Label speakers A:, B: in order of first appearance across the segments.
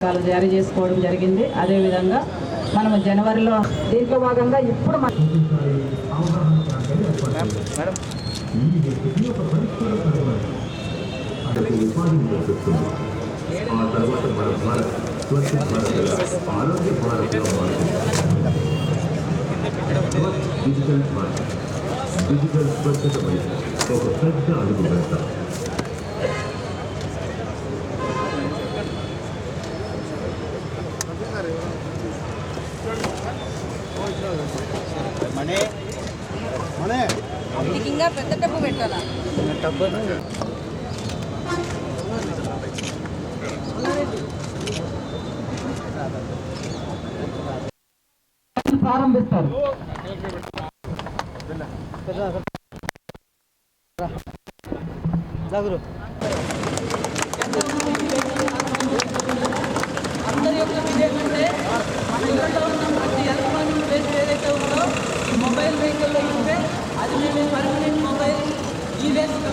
A: జారీ చేసుకోవడం జరిగింది. అదేవిధంగా మనము జనవరిలో దీంట్లో భాగంగా ఇప్పుడు
B: డిజిటల్ స్వచ్ఛతపై ఒక పెద్ద అడుగు వేస్తాం.
C: ఇంకా పెద్ద డబ్బు పెట్టాలా?
A: ప్రారంభిస్తారు.
C: అందరి యొక్క ఇదేంటంటే మన ఇంట్లో ఉన్న ప్రతి ఎలక్ట్రానిక్ వేస్ట్ ఏదైతే ఉందో మొబైల్ వెహికల్లో ఉంటే అది మేము పర్మనెంట్ మొబైల్ ఈ వేస్ట్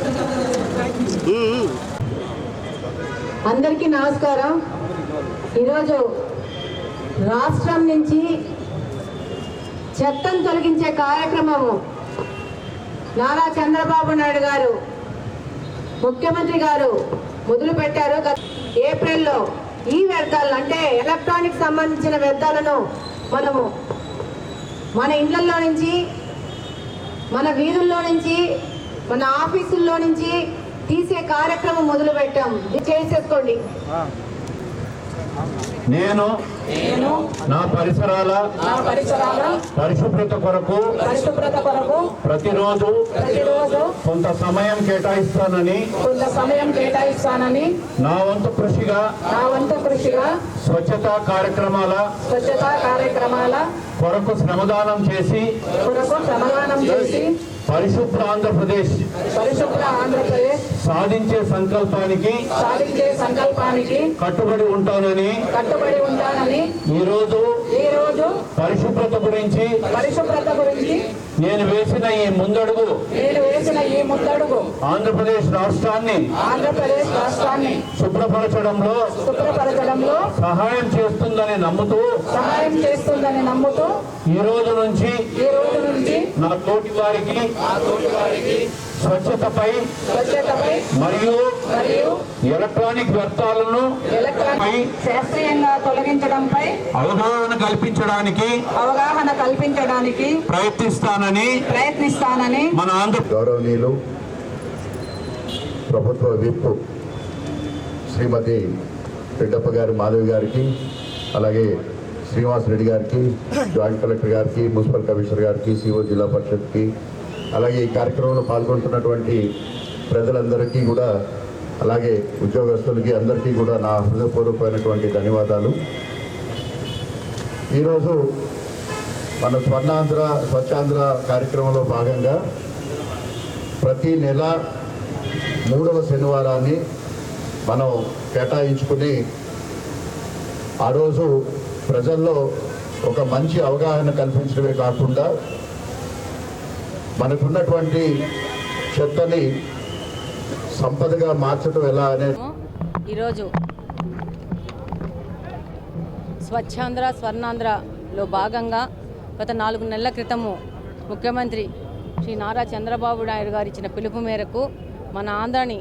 D: అందరికీ నమస్కారం. ఈరోజు రాష్ట్రం నుంచి చెత్తను తొలగించే కార్యక్రమము నారా చంద్రబాబు నాయుడు గారు ముఖ్యమంత్రి గారు మొదలుపెట్టారు. ఏప్రిల్లో ఈ వ్యర్థాలు అంటే ఎలక్ట్రానిక్ సంబంధించిన వ్యర్థాలను మనము మన ఇళ్లలో నుంచి, మన వీధుల్లో నుంచి, మన ఆఫీసుల్లో నుంచి తీసే కార్యక్రమం మొదలు పెట్టాం. చేసేసుకోండి.
B: నేను నా పరిసరాల పరిశుభ్రత కొరకు ప్రతిరోజు కొంత సమయం కేటాయిస్తానని నా వంతు కృషిగా స్వచ్ఛతా కార్యక్రమాల కొరకు శ్రమదానం చేసి పరిశుభ్ర ఆంధ్రప్రదేశ్ సాధించే సంకల్పానికి కట్టుబడి ఉంటానని ఈ రోజు పరిశుభ్రత గురించి నేను వేసిన ఈ ముందడుగు ఆంధ్రప్రదేశ్ రాష్ట్రాన్ని శుభ్రపరచడంలో సహాయం చేస్తుందని నమ్ముతూ ఈ రోజు నుంచి నా తోటి వారికి స్వచ్ఛతపై మరియు ఎలక్ట్రానిక్ వ్యర్థాలను
D: శాస్త్రీయంగా తొలగించడంపై
B: అవగాహన కల్పించడానికి ప్రయత్నిస్తానని మన ఆంధ్ర గౌరవనీయులు ప్రభుత్వ విప్ శ్రీమతి రెడ్డప్ప గారి మాధవి గారికి, అలాగే శ్రీనివాస్ రెడ్డి గారికి, జాయింట్ కలెక్టర్ గారికి, మున్సిపల్ కమిషనర్ గారికి, సిఓ జిల్లా పరిషత్కి, అలాగే ఈ కార్యక్రమంలో పాల్గొంటున్నటువంటి ప్రజలందరికీ కూడా, అలాగే ఉద్యోగస్తులకి అందరికీ కూడా నా హృదయపూర్వకమైనటువంటి ధన్యవాదాలు. ఈరోజు మన స్వచ్ఛాంధ్ర కార్యక్రమంలో భాగంగా ప్రతి నెల 3వ శనివారాన్ని మనం కేటాయించుకుని ఆ రోజు ప్రజల్లో ఒక మంచి అవగాహన కల్పించడమే కాకుండా మనకున్నటువంటి చెత్తని సంపదగా మార్చడం ఎలా అనేది
E: ఈరోజు స్వచ్ఛాంధ్ర స్వర్ణాంధ్రలో భాగంగా గత 4 నెలల క్రితము ముఖ్యమంత్రి శ్రీ నారా చంద్రబాబు నాయుడు గారు ఇచ్చిన పిలుపు మేరకు మన ఆంధ్రాని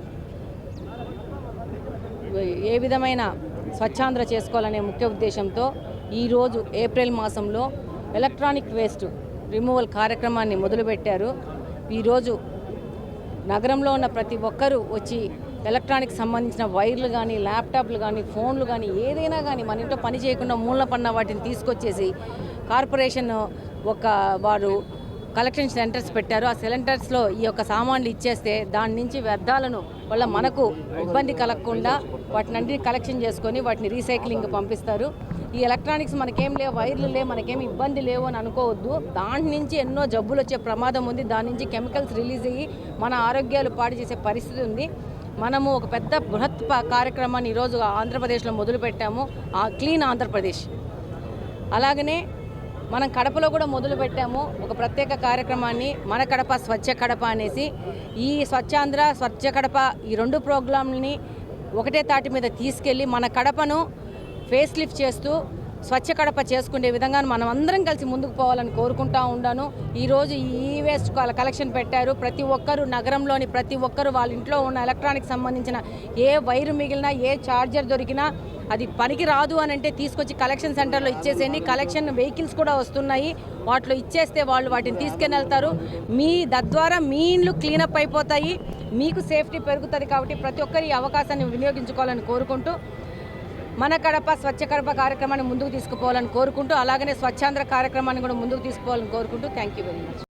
E: ఏ విధమైన స్వచ్ఛాంధ్ర చేసుకోవాలనే ముఖ్య ఉద్దేశంతో ఈరోజు ఏప్రిల్ మాసంలో ఎలక్ట్రానిక్ వేస్ట్ రిమూవల్ కార్యక్రమాన్ని మొదలుపెట్టారు. ఈరోజు నగరంలో ఉన్న ప్రతి ఒక్కరూ వచ్చి ఎలక్ట్రానిక్ సంబంధించిన వైర్లు కానీ, ల్యాప్టాప్లు కానీ, ఫోన్లు కానీ, ఏదైనా కానీ మన ఇంట్లో పని చేయకుండా మూలన పడిన వాటిని తీసుకొచ్చేసి కార్పొరేషన్ వారు కలెక్షన్ సెంటర్స్ పెట్టారు. ఆ సెంటర్స్లో ఈ యొక్క సామాన్లు ఇచ్చేస్తే దాని నుంచి వ్యర్థాలను వల్ల మనకు ఇబ్బంది కలగకుండా వాటిని కలెక్షన్ చేసుకొని వాటిని రీసైక్లింగ్ పంపిస్తారు. ఈ ఎలక్ట్రానిక్స్ మనకేం లేవు, వైర్లు లేవు, మనకేం ఇబ్బంది లేవు అని అనుకోవద్దు. దాని నుంచి ఎన్నో జబ్బులు వచ్చే ప్రమాదం ఉంది. దాని నుంచి కెమికల్స్ రిలీజ్ అయ్యి మన ఆరోగ్యాలు పాడు చేసే పరిస్థితి ఉంది. మనము ఒక పెద్ద బృహత్ కార్యక్రమాన్ని ఈరోజు ఆంధ్రప్రదేశ్లో మొదలుపెట్టాము, క్లీన్ ఆంధ్రప్రదేశ్. అలాగనే మనం కడపలో కూడా మొదలుపెట్టాము ఒక ప్రత్యేక కార్యక్రమాన్ని, మన కడప స్వచ్ఛ కడప అనేసి. ఈ స్వచ్ఛాంధ్ర స్వచ్ఛ కడప ఈ 2 ప్రోగ్రాంలని ఒకటే తాటి మీద తీసుకెళ్ళి మన కడపను ఫేస్ లిఫ్ట్ చేస్తూ స్వచ్ఛ కడప చేసుకునే విధంగా మనం అందరం కలిసి ముందుకు పోవాలని కోరుకుంటా ఉన్నాను. ఈరోజు ఈ వేస్ట్ కలెక్షన్ పెట్టారు. ప్రతి ఒక్కరు నగరంలోని ప్రతి ఒక్కరు వాళ్ళ ఇంట్లో ఉన్న ఎలక్ట్రానిక్ సంబంధించిన ఏ వైరు మిగిలినా ఏ ఛార్జర్ దొరికినా అది పనికి రాదు అని అంటే తీసుకొచ్చి కలెక్షన్ సెంటర్లో ఇచ్చేసేయండి. కలెక్షన్ వెహికల్స్ కూడా వస్తున్నాయి, వాటిలో ఇచ్చేస్తే వాళ్ళు వాటిని తీసుకుని వెళ్తారు. తద్వారా మీ ఇండ్లు క్లీనప్ అయిపోతాయి, మీకు సేఫ్టీ పెరుగుతుంది. కాబట్టి ప్రతి ఒక్కరు ఈ అవకాశాన్ని వినియోగించుకోవాలని కోరుకుంటూ మన కడప స్వచ్ఛ కడప కార్యక్రమాన్ని ముందుకు తీసుకుపోవాలని కోరుకుంటూ అలాగనే స్వచ్ఛాంధ్ర కార్యక్రమాన్ని కూడా ముందుకు తీసుకుపోవాలని కోరుకుంటూ థ్యాంక్ యూ వెరీ మచ్.